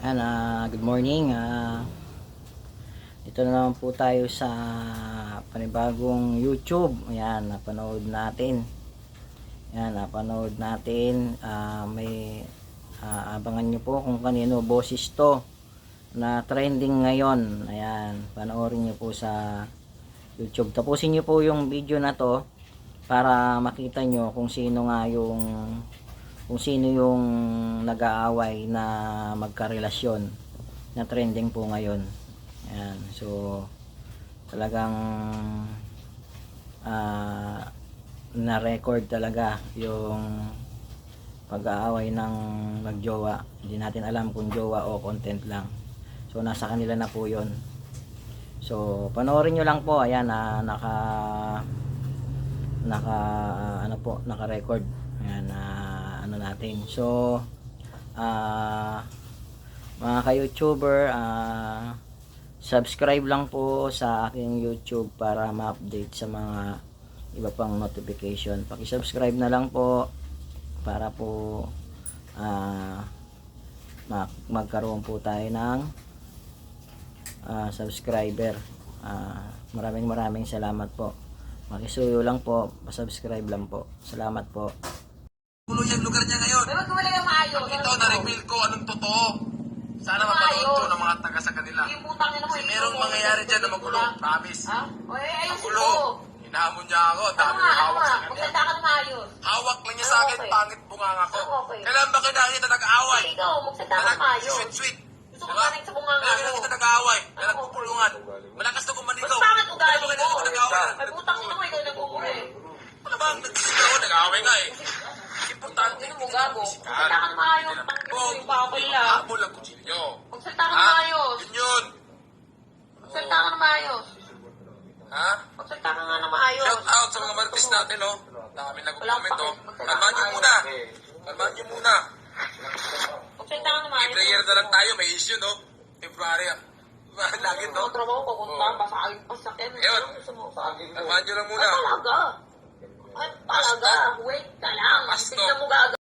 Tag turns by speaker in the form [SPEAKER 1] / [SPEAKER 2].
[SPEAKER 1] Good morning. Ito na naman po tayo sa panibagong YouTube. Ayan, napanood natin. May abangan nyo po kung kanino boses to na trending ngayon. Ayan, panoorin nyo po sa YouTube. Tapusin nyo po yung video na to para makita nyo kung sino yung nag-aaway na magkarelasyon na trending po ngayon. Ayan, so talagang na-record talaga yung pag-aaway ng magjowa. Hindi natin alam kung jowa o content lang. So nasa kanila na po yun. So panoorin nyo lang po. Ayan, naka-record. Ayan, natin. So mga ka-YouTuber, subscribe lang po sa aking YouTube para ma-update sa mga iba pang notification. Paki-subscribe na lang po para po magkaroon po tayo ng subscriber. Maraming salamat po. Makisuyo lang po, pa-subscribe lang po. Salamat po.
[SPEAKER 2] Gulo yung lugar niya ngayon.
[SPEAKER 3] Pero gumala yung maayos.
[SPEAKER 2] Ito, na-reveal ko anong totoo. Sana mapanood to ng mga taga sa kanila.
[SPEAKER 3] Yung putang ina mo.
[SPEAKER 2] Kasi merong mangyayari dyan na magulo. Promise.
[SPEAKER 3] Ha? O ayusin
[SPEAKER 2] Magulo.
[SPEAKER 3] mo.
[SPEAKER 2] Hinahamon niya ako. Dami
[SPEAKER 3] Ano
[SPEAKER 2] yung hawak sa
[SPEAKER 3] nga?
[SPEAKER 2] kanya.
[SPEAKER 3] Magsalita ka ng maayos.
[SPEAKER 2] Hawak lang niya sa akin.
[SPEAKER 3] Okay.
[SPEAKER 2] Pangit bunganga ko.
[SPEAKER 3] Okay.
[SPEAKER 2] Kailan ba kinakita nag-aaway?
[SPEAKER 3] Ikaw, magsalita ka ng maayos.
[SPEAKER 2] Sweet.
[SPEAKER 3] Gusto ko kanin sa bunganga
[SPEAKER 2] Kailan
[SPEAKER 3] mo.
[SPEAKER 2] kita nag-aaway? Kailan pupulungan? Malakas na kumanito.
[SPEAKER 3] Mas pangit ugali mo.
[SPEAKER 2] Kailan kita nag-aaway?
[SPEAKER 3] Ay putang ina mo, ikaw nagpupuli.
[SPEAKER 2] Ano bang nagsisigaw? Nag-aaway nga eh. Importante.
[SPEAKER 3] Ano mo gago? Magsalita ka ng maayos. Tangin mo yung bakol lang.
[SPEAKER 2] Habol ang kutsilyo.
[SPEAKER 3] Magsalita ka ng maayos.
[SPEAKER 2] Yun.
[SPEAKER 3] Magsalita ka ng maayos.
[SPEAKER 2] Ha?
[SPEAKER 3] Magsalita ka nga ng maayos.
[SPEAKER 2] Shout out sa mga martis natin, oh. Dami nag-comment, oh.
[SPEAKER 3] Magsalita
[SPEAKER 2] Kalmahan nyo muna. Kalmahan nyo muna.
[SPEAKER 3] Magsalita ka ng maayos.
[SPEAKER 2] Every year na lang tayo, may issue, no? February, ah. Lagi, no?
[SPEAKER 3] Ang trabaho ko, kung
[SPEAKER 2] Oo.
[SPEAKER 3] basagin pa sa akin.
[SPEAKER 2] Ayun.
[SPEAKER 3] Ano gusto mo? Basagin mo.
[SPEAKER 2] Kalmahan nyo lang muna.
[SPEAKER 3] Ay talaga. Ay talaga. Wait ka lang.
[SPEAKER 2] Pasto.
[SPEAKER 3] Tignan mo gago.